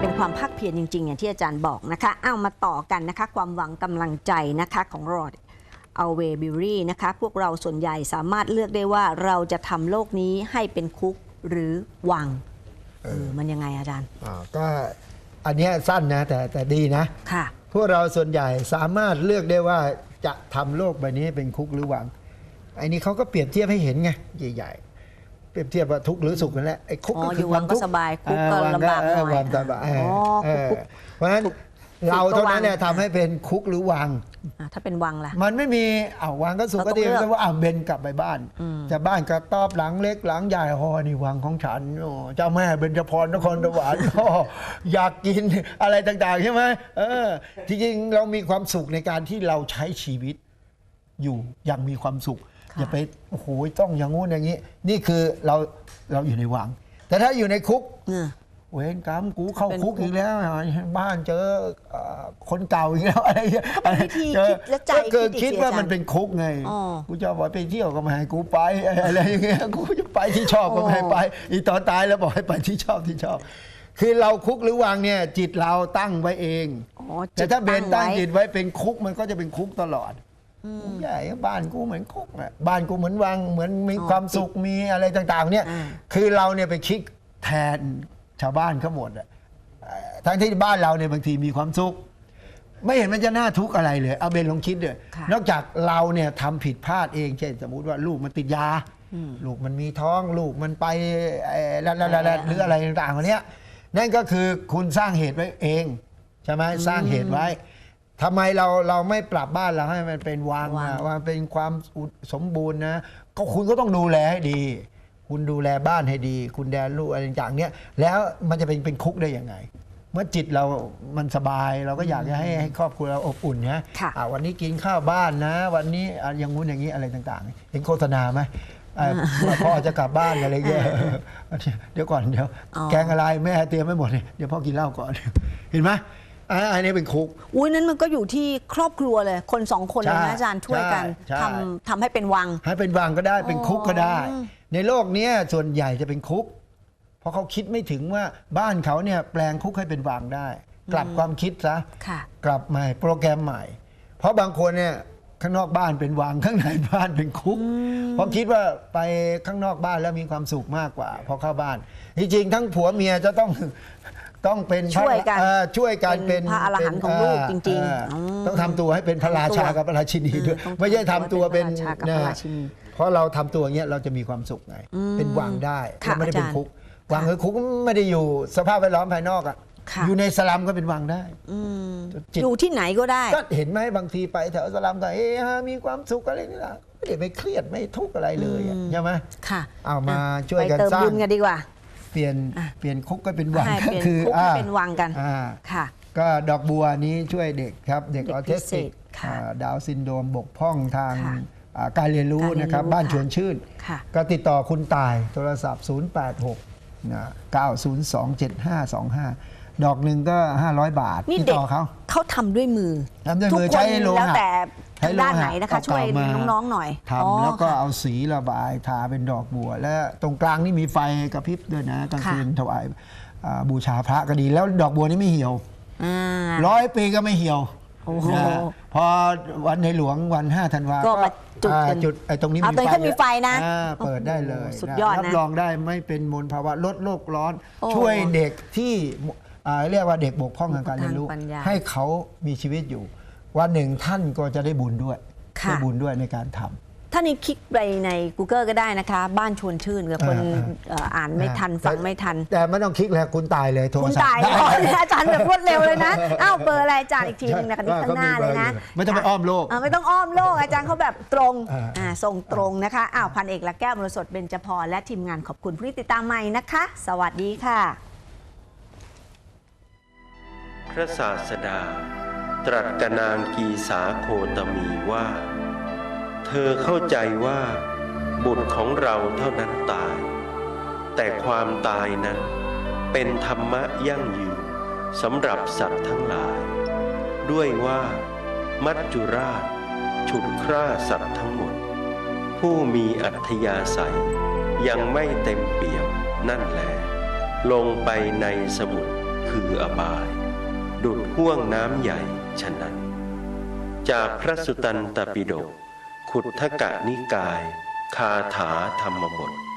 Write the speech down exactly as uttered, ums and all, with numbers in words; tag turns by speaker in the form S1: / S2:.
S1: เป็นความภาคเพียรจริงๆอย่างที่อาจารย์บอกนะคะเอามาต่อกันนะคะความหวังกำลังใจนะคะของรอดเอาเวบิวรี่นะคะพวกเราส่วนใหญ่สามารถเลือกได้ว่าเราจะทำโลกนี้ให้เป็นคุกหรือวังเออมันยังไงอาจารย์
S2: อ่าก็อันนี้สั้นนะแต่แต่ดีนะ
S1: ค่ะ
S2: พวกเราส่วนใหญ่สามารถเลือกได้ว่าจะทำโลกใบนี้เป็นคุกหรือวังไอ้นี้เขาก็เปรียบเทียบให้เห็นไงใหญ่ๆเปรียบเทียบว่าทุกข์หรือสุขนั่นแหละไอ้คุกก็คือ
S1: วังก็สบายคุกก็ลำบากหน่อย
S2: วังสบายเพราะฉะนั้นเราเท่านั้นเนี่ยทำให้เป็นคุกหรือวัง
S1: ถ้าเป็นวังล่ะ
S2: มันไม่มีอ้าววังก็สุขก็ดีแต่ว่าอ้าวเบนกลับไปบ้านจะบ้านกระต๊อบหลังเล็กหลังใหญ่ฮอนี่วังของฉันเจ้าแม่เบญจพรนครสวรรค์อยากกินอะไรต่างๆใช่ไหมเออจริงๆเรามีความสุขในการที่เราใช้ชีวิตอยู่อย่างมีความสุขอย่าไปโอ้โหต้องอย่างงู้นอย่างนี้นี่คือเราเราอยู่ในวังแต่ถ้าอยู่ในคุกเวรกรรมกูเข้าคุกอีกแล้วบ้านเจอคนเก่าอีกแล้วอะไร
S1: เจอ
S2: ก็เกิดคิดว่ามันเป็นคุกไงกูจะบอกไปเที่ยวก็ไม่ให้กูไปอะไรอย่างเงี้ยกูจะไปที่ชอบก็ไม่ให้ไปอีตอนตายแล้วบอกให้ไปที่ชอบที่ชอบคือเราคุกหรือวังเนี่ยจิตเราตั้งไว้เองแต่ถ้าเบนตั้งจิตไว้เป็นคุกมันก็จะเป็นคุกตลอดใหญ่บ้านกูเหมือนคุกอ่ะบ้านกูเหมือนวังเหมือนมีความสุขมีอะไรต่างๆเนี่ยคือเราเนี่ยไปคิดแทนชาวบ้านเขาหมดอ่ะทั้งที่บ้านเราเนี่ยบางทีมีความสุขไม่เห็นมันจะน่าทุกข์อะไรเลยเอาเบนลองคิดด้วยนอกจากเราเนี่ยทำผิดพลาดเองเช่นสมมุติว่าลูกมันติดยาลูกมันมีท้องลูกมันไปแล้วหรืออะไรต่างๆเนี้ยนั่นก็คือคุณสร้างเหตุไว้เองใช่ไหมสร้างเหตุไว้ทำไมเราเราไม่ปรับบ้านเราให้มันเป็นวังว่าเป็นความสมบูรณ์นะก็คุณก็ต้องดูแลให้ดีคุณดูแลบ้านให้ดีคุณดูแลลูกอะไรต่างๆเนี้ยแล้วมันจะเป็นเป็นคุกได้ยังไงเมื่อจิตเรามันสบายเราก็อยากจะให้ให้ครอบครัวเราอบอุ่นนะวันนี้กินข้าวบ้านนะวันนี้อย่างงู้นอย่างนี้อะไรต่างๆเห็นโฆษณาไหมพ่อจะกลับบ้านอะไรเงี้ยเดี๋ยวก่อนเดี๋ยวแกงอะไรแม่เตรียมไม่หมดเดี๋ยวพ่อกินเหล้าก่อนเห็นไหมอันนี้เป็นคุก
S1: อุ้ยนั้นมันก็อยู่ที่ครอบครัวเลยคนสองคนเลยนะอาจารย์ช่วยกันทำทำให้เป็นวัง
S2: ให้เป็นวังก็ได้เป็นคุกก็ได้ในโลกนี้ส่วนใหญ่จะเป็นคุกเพราะเขาคิดไม่ถึงว่าบ้านเขาเนี่ยแปลงคุกให้เป็นวังได้กลับความคิดซะกลับใหม่โปรแกรมใหม่เพราะบางคนเนี่ยข้างนอกบ้านเป็นวังข้างในบ้านเป็นคุกเพราะคิดว่าไปข้างนอกบ้านแล้วมีความสุขมากกว่าพอเข้าบ้านจริงๆทั้งผัวเมียจะต้องต้องเป็น
S1: ช่วยกัน
S2: ช่วยกันเป็น
S1: พระอรหันต์ของลูกจริง
S2: ๆต้องทำตัวให้เป็นพระราชากับพระราชินีด้วยไม่ใช่ทำตัวเป็นนะเพราะเราทำตัวอย่างเงี้ยเราจะมีความสุขไงเป็นวังได้เราไม่ได้เป็นคุกวังคือคุกไม่ได้อยู่สภาพแวดล้อมภายนอกอ่ะอยู่ในสลัมก็เป็นวังได้
S1: อยู่ที่ไหนก็ได้
S2: ก็เห็นไหมบางทีไปแถวสลัมก็เอ๊ะมีความสุขอะไรนี่แหละไม่ได้ไปเครียดไม่ทุกข์อะไรเลยใช่ไหม
S1: ค่ะ
S2: เอามาช่วยกันสร้าง
S1: ไปเติมบุญกันดีกว่า
S2: เปลี่ยนเปลี่ยนคุกก็เป็นวัง
S1: ก็คือคุกเป็นวังกันค่ะ
S2: ก็ดอกบัวนี้ช่วยเด็กครับเด็กออทิสติกดาวน์ซินโดรมบกพร่องทางการเรียนรู้นะครับบ้านชวนชื่นก็ติดต่อคุณตายโทรศัพท์ศูนย์ แปด หก เก้า ศูนย์ สอง เจ็ด ห้า สอง ห้าดอกหนึ่งก็ห้าร้อยบาท
S1: ติดต่อเขาเขาทำด้วยมือ
S2: ทำด้วยมือใช้โลหะ
S1: แล้วแต่ด้านไหนนะคะช่วยน้องๆหน่อย
S2: ทำแล้วก็เอาสีระบายทาเป็นดอกบัวและตรงกลางนี่มีไฟกระพริบด้วยนะกลางคืนถวายบูชาพระก็ดีแล้วดอกบัวนี่ไม่เหี่ยวร้อยปีก็ไม่เหี่ยวพอวันในหลวงวันห้าธันวา
S1: ก็มาจุด
S2: จุดไอ้ตรงนี้
S1: มีไฟมีไฟนะ
S2: เปิดได้เลย
S1: สุดยอดนะ
S2: รับรองได้ไม่เป็นมลภาวะลดโลกร้อนช่วยเด็กที่เรียกว่าเด็กบกพร่องทางการเรียนรู้ให้เขามีชีวิตอยู่วันหนึ่งท่านก็จะได้บุญด้วยได้บุญด้วยในการทำ
S1: ท่านนี้คลิกไปใน Google ก็ได้นะคะบ้านชวนชื่นกับคนอ่านไม่ทันฟังไม่ทัน
S2: แต่ไม่ต้องคลิกแล้วคุณตายเลยโทรศัพท์คุณ
S1: ตายอาจารย์แบบรวดเร็วเลยนะอ้าวเบอร์อะไรอาจารย์อีกทีนึงนะคะที่ข้างหน้าเลยนะ
S2: ไม่ต้องไปอ้อมโลก
S1: ไม่ต้องอ้อมโลกอาจารย์เขาแบบตรงส่งตรงนะคะอ้าวพันเอกละแก้วมรสดเบญจพรและทีมงานขอบคุณผู้ที่ติดตามใหม่นะคะสวัสดีค่ะ
S3: พระศาสดาตรัสกับนางกีสาโคตมีว่าเธอเข้าใจว่าบุตรของเราเท่านั้นตายแต่ความตายนั้นเป็นธรรมะยั่งยืนสำหรับสัตว์ทั้งหลายด้วยว่ามัจจุราชฉุดฆ่าสัตว์ทั้งหมดผู้มีอัธยาศัยยังไม่เต็มเปี่ยมนั่นแหละลงไปในสมุทรคืออบาย ดุจห่วงน้ำใหญ่ฉะนั้น จากพระสุตตันตปิฎกขุททกนิกาย คาถาธรรมบท